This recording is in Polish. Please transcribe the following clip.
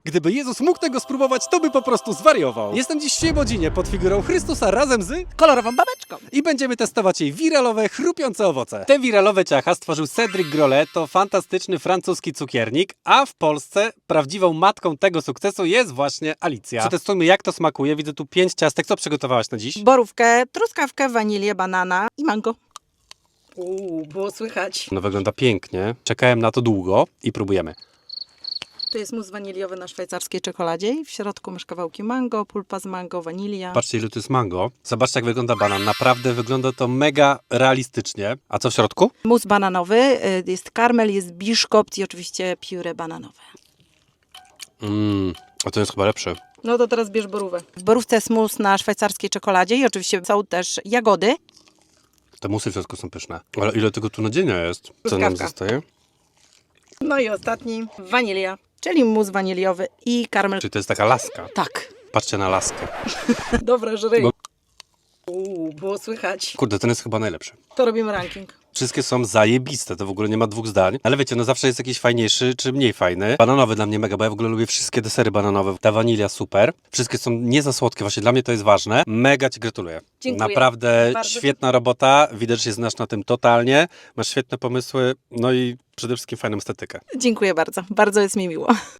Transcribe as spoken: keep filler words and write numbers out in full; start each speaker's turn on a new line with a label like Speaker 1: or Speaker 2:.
Speaker 1: Gdyby Jezus mógł tego spróbować, to by po prostu zwariował. Jestem dziś w Świebodzinie pod figurą Chrystusa razem z...
Speaker 2: kolorową babeczką.
Speaker 1: I będziemy testować jej wiralowe, chrupiące owoce. Te wiralowe ciacha stworzył Cedric Grolet, to fantastyczny francuski cukiernik, a w Polsce prawdziwą matką tego sukcesu jest właśnie Alicja. Przetestujmy, jak to smakuje. Widzę tu pięć ciastek. Co przygotowałaś na dziś?
Speaker 2: Borówkę, truskawkę, wanilię, banana i mango. Uuu, było słychać.
Speaker 1: No wygląda pięknie. Czekałem na to długo i próbujemy.
Speaker 2: To jest mus waniliowy na szwajcarskiej czekoladzie i w środku masz kawałki mango, pulpa z mango, wanilia.
Speaker 1: Patrzcie, ile to jest mango. Zobaczcie, jak wygląda banan. Naprawdę wygląda to mega realistycznie. A co w środku?
Speaker 2: Mus bananowy, y, jest karmel, jest biszkopt i oczywiście pióre bananowe.
Speaker 1: Mmm, a to jest chyba lepsze.
Speaker 2: No to teraz bierz borówę. W borówce jest mus na szwajcarskiej czekoladzie i oczywiście są też jagody.
Speaker 1: Te musy w środku są pyszne. Ale ile tego tu nadzienia jest? Co nam
Speaker 2: Truskawka.
Speaker 1: zostaje?
Speaker 2: No i ostatni, wanilia, czyli mus waniliowy i karmel.
Speaker 1: Czyli to jest taka laska.
Speaker 2: Tak.
Speaker 1: Patrzcie na laskę.
Speaker 2: Dobra, żryj.
Speaker 1: Bo-
Speaker 2: Uuu, było słychać.
Speaker 1: Kurde, ten jest chyba najlepszy.
Speaker 2: To robimy ranking.
Speaker 1: Wszystkie są zajebiste, to w ogóle nie ma dwóch zdań. Ale wiecie, no zawsze jest jakiś fajniejszy czy mniej fajny. Bananowy dla mnie mega, bo ja w ogóle lubię wszystkie desery bananowe. Ta wanilia super. Wszystkie są nie za słodkie, właśnie dla mnie to jest ważne. Mega Ci gratuluję.
Speaker 2: Dziękuję.
Speaker 1: Naprawdę
Speaker 2: Bardzo
Speaker 1: świetna robota. Widać, że się znasz na tym totalnie. Masz świetne pomysły, no i przede wszystkim fajną estetykę.
Speaker 2: Dziękuję bardzo. Bardzo jest mi miło.